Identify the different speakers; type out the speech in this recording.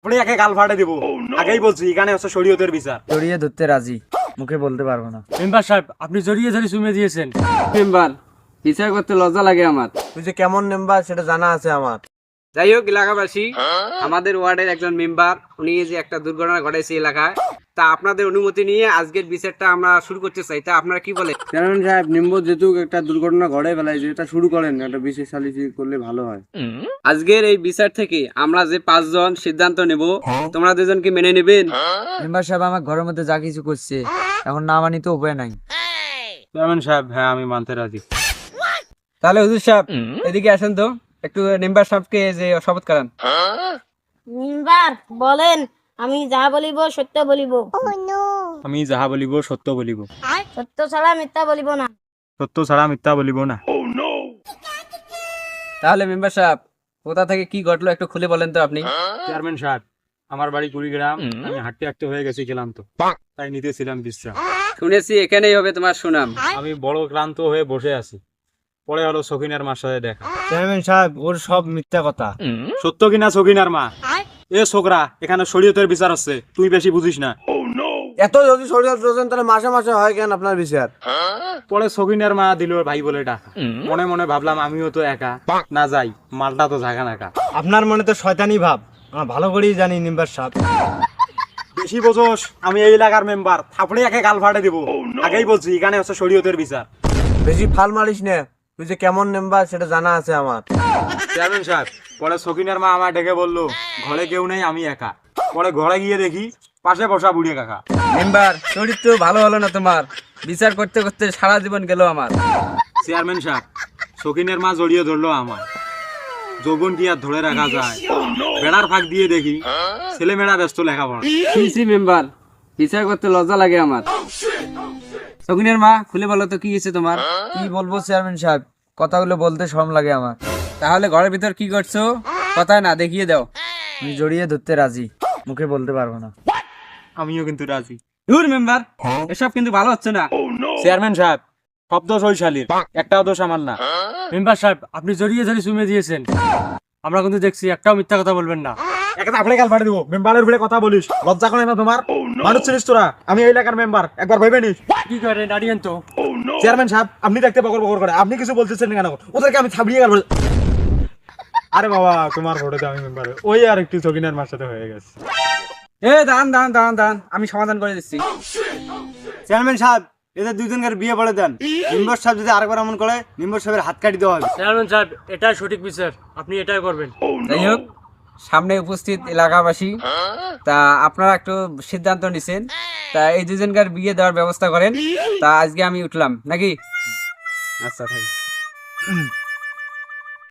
Speaker 1: আপনি একে গাল ফাটে দিব। আগেই বলছি এখানে হচ্ছে শরীয়তের বিচার।
Speaker 2: জড়িয়ে ধরতে রাজি, মুখে বলতে পারবো না।
Speaker 3: মেম্বার সাহেব আপনি জড়িয়ে ধরে চুমে দিয়েছেন।
Speaker 4: মেম্বার বিচার করতে লজ্জা লাগে আমার।
Speaker 2: তুই যে কেমন মেম্বার সেটা জানা আছে আমার।
Speaker 4: যাই হোক এলাকাবাসী, আমাদের ওয়ার্ডের একজন মেম্বার উনি যে একটা দুর্ঘটনা ঘটেছে এলাকায়, তা আপনাদের অনুমতি নিয়ে আজকের বিচারটা আমরা শুরু করতে চাই। তা আপনারা কি বলেন? চেয়ারম্যান সাহেব, নিম্ব যেহেতু একটা দুর্ঘটনা ঘটে ফেলায়, যেটা শুরু করেন একটা বিশেষ সালিসি করলে ভালো হয়। আজকের এই বিচার থেকে আমরা যে 5 জন সিদ্ধান্ত নেব, তোমরা 2 জন কি মেনে নেবেন?
Speaker 2: মেম্বার সাহেব আমার ঘরের মধ্যে যা কিছু করছে এখন না মানি তো উপায় নাই।
Speaker 1: চেয়ারম্যান সাহেব, হ্যাঁ আমি মানতে রাজি।
Speaker 4: তাহলে হুজুর সাহেব এদিকে আসেন তো, একটু মেম্বার সাহেবকে যে শপথ করান।
Speaker 5: মেম্বার বলেন, আমি যা বলিব সত্য বলিব,
Speaker 1: আমি যাহা বলিব সত্য বলিব,
Speaker 5: সত্য ছাড়া মিথ্যা বলিব না।
Speaker 1: সত্য ছাড়া মিথ্যা বলিব না।
Speaker 4: তাহলে মেম্বার সাহেব কোথা থেকে কি ঘটলো একটু খুলে বলেন তো আপনি।
Speaker 1: চেয়ারম্যান সাহেব, আমার বাড়ি কুড়িগ্রাম। আমি হাঁটতে হাঁটতে হয়ে গেছি ক্লান্ত, তাই নিতেছিলাম বিশ্রাম।
Speaker 4: শুনেছি এখানেই হবে তোমার সুনাম।
Speaker 1: আমি বড় ক্লান্ত হয়ে বসে আছি। পরে হলো সখিনার মার সাথে দেখা।
Speaker 2: চেয়ারম্যান সাহেব ওর সব মিথ্যা কথা।
Speaker 1: সত্য কিনা সখিনার মা? এ ছোকরা, এখানে শরীয়তের বিচার হচ্ছে, তুই বেশি বুঝিস না।
Speaker 2: এত যদি শরীয়ত রোজন তাহলে মাসে মাসে হয় কেন আপনার বিচার?
Speaker 1: পরে সখিনার মা দিল ভাই বলে ডাকা। মনে মনে ভাবলাম আমিও তো একা, না যাই, মালটা তো জাগা নাকা।
Speaker 2: আপনার মনে তো শয়তানি ভাব, আমরা ভালো করেই জানি মেম্বার সাহেব।
Speaker 1: বেশি বোঝোস, আমি এই এলাকার মেম্বার, থাপড়ে একে গাল ফাটে দিব। আগেই বলছি এখানে হচ্ছে শরীয়তের বিচার।
Speaker 2: বেশি ফাল মারিস না, তুই যে কেমন মেম্বার সেটা জানা আছে আমার।
Speaker 1: চেয়ারম্যান সাহেব, পরে সখিনার মা আমার ডেকে বললো ঘরে কেউ নেই, আমি একা। পরে ঘরে গিয়ে দেখি পাশে বসা বুড়িয়ে কাকা।
Speaker 4: মেম্বার চরিত্র ভালো হলো না তোমার, বিচার করতে করতে সারা জীবন গেল আমার।
Speaker 1: চেয়ারম্যান সাহেব, সখিনের মা জড়িয়ে ধরলো আমার। যৌবন কি আর ধরে রাখা যায়? বেড়ার ফাঁক দিয়ে দেখি ছেলে মেয়েরা ব্যস্ত লেখাপড়া।
Speaker 4: শুনছি মেম্বার বিচার করতে লজ্জা লাগে আমার। সগুনের মা খুলে বলো তো কি হয়েছে তোমার।
Speaker 2: কি বলবো চেয়ারম্যান সাহেব, কথাগুলো বলতে শরম লাগে আমার।
Speaker 4: তাহলে ঘরের ভিতর কি করছো, কথা না দেখিয়ে দাও।
Speaker 2: আমি জড়িয়ে ধরতে রাজি, মুখে বলতে পারবো না।
Speaker 1: আমিও কিন্তু রাজি।
Speaker 4: দূর মেম্বার, এসব কিন্তু ভালো হচ্ছে না।
Speaker 1: চেয়ারম্যান সাহেব, সব দোষ ওই শালীর, একটাও দোষ আমার না।
Speaker 3: মেম্বার সাহেব আপনি জড়িয়ে ধরে চুমে দিয়েছেন। আমরা কিন্তু দেখছি, একটাও মিথ্যা কথা বলবেন না।
Speaker 1: একটা আপনি গাল ফাটে দিব। মেম্বারের ভিড়ে কথা বলিস, লজ্জা করে না তোমার? মানুষ ছিলিস তোরা, আমি এই এলাকার মেম্বার, একবার ভেবে নিস।
Speaker 3: কি করে দাঁড়িয়েন তো।
Speaker 1: চেয়ারম্যান সাহেব, আপনি দেখতে বকর বকর করে, আপনি কিছু বলতেছেন কেন? ওদেরকে আমি থামিয়ে গেল। আরে বাবা, তোমার ভোটে আমি মেম্বার, ওই আর একটু সখিনার মার সাথে হয়ে গেছে।
Speaker 4: দান আমি সমাধান করে দিচ্ছি।
Speaker 2: চেয়ারম্যান সাহেব, এদের দুইজনকার বিয়ে পড়ে দেন। মেম্বার সাহেব যদি আরেকবার এমন করে, মেম্বার সাহেবের হাত কাটি দেওয়া হবে।
Speaker 3: চেয়ারম্যান সাহেব এটাই সঠিক বিচার, আপনি এটাই করবেন।
Speaker 4: যাই হোক, সামনে উপস্থিত এলাকাবাসী, তা আপনারা একটু সিদ্ধান্ত নিছেন, তা এই 2 জনকার বিয়ে দেওয়ার ব্যবস্থা করেন। তা আজকে আমি উঠলাম নাকি? আচ্ছা থাকি।